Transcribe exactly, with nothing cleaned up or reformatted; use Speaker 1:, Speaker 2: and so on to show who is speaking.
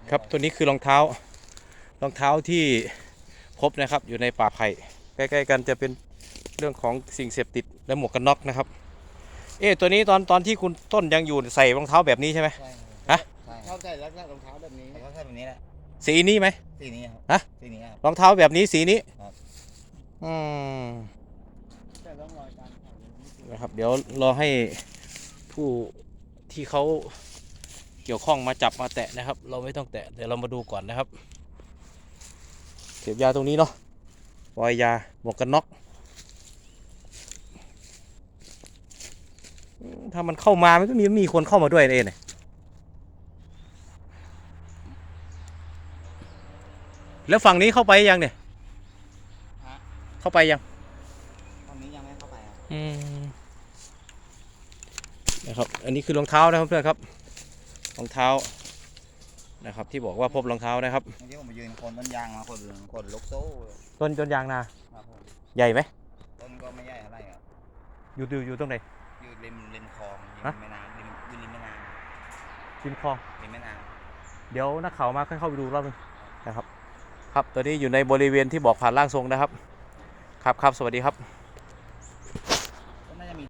Speaker 1: ครับตัวนี้คือรองเท้ารองเท้าที่พบนะครับอยู่ในป่าไผ่ใกล้ๆกันจะเป็นเรื่องของสิ่งเสพติดและหมวกกันน็อกนะครับเอ๊ะตัวนี้ตอนตอนที่คุณต้นยังอยู่ใส่รองเท้าแบบนี้ใช่ไหม
Speaker 2: ใช่ครับ
Speaker 1: ฮะ
Speaker 2: ใช่ค
Speaker 3: เข้า
Speaker 2: รับ
Speaker 3: ใจลักษณะรองเท้าแบบนี้
Speaker 2: แล้วก็แค่แบบนี้แหละ
Speaker 1: สีนี้ไหม
Speaker 2: สีนี้ครับ
Speaker 1: ฮะ
Speaker 2: สีนี้ครับ
Speaker 1: รองเท้าแบบนี้สีนี้
Speaker 2: ครับ
Speaker 1: อืม
Speaker 3: แต่ร่องรอยการเผายังไม่เจอ
Speaker 1: นะครับเดี๋ยวรอให้ผู้ที่เขาเกี่ยวข้องมาจับมาแตะนะครับ เราไม่ต้องแตะเดี๋ยวเรามาดูก่อนนะครับเก็บยาตรงนี้เนาะปล่อยยาหมวกกันน็อกอืมถ้ามันเข้ามามันก็มีมีคนเข้ามาด้วยเองเนี่ยแล้วฝั่งนี้เข้าไปยังเนี่ย
Speaker 2: ฮะ
Speaker 1: เข้าไปยัง
Speaker 2: ตอนนี้ยังไม่เข้าไปครับ
Speaker 1: อืมนะครับอันนี้คือรองเท้านะครับเพื่อนครับรองเท้านะครับที่บอกว่าพบรองเท้านะครับ
Speaker 2: เมื่อกี้ผมไปยืนคนต้นยางมาคนคนลุกโซ่เลย
Speaker 1: ต้นจนยางนา
Speaker 2: ครับผม
Speaker 1: ใหญ่ไหม
Speaker 2: ต้นก็ไม่ใหญ่อะไรครับ
Speaker 1: อยู่อยู่อยู่ตรงไหน
Speaker 2: อยู่ริมริมคลองริ
Speaker 1: ฮะ
Speaker 2: มแม่น้ำริมอยู่ริมแม่น้
Speaker 1: ริมคลอง
Speaker 2: ำริมแม่น้
Speaker 1: เดี๋ยวนักข่าวมาค่อยเข้าไปดูรอบนึงนะครับครับตอนนี้อยู่ในบริเวณที่บอกผ่านร่างทรงนะครับครับครับสวัสดีครับ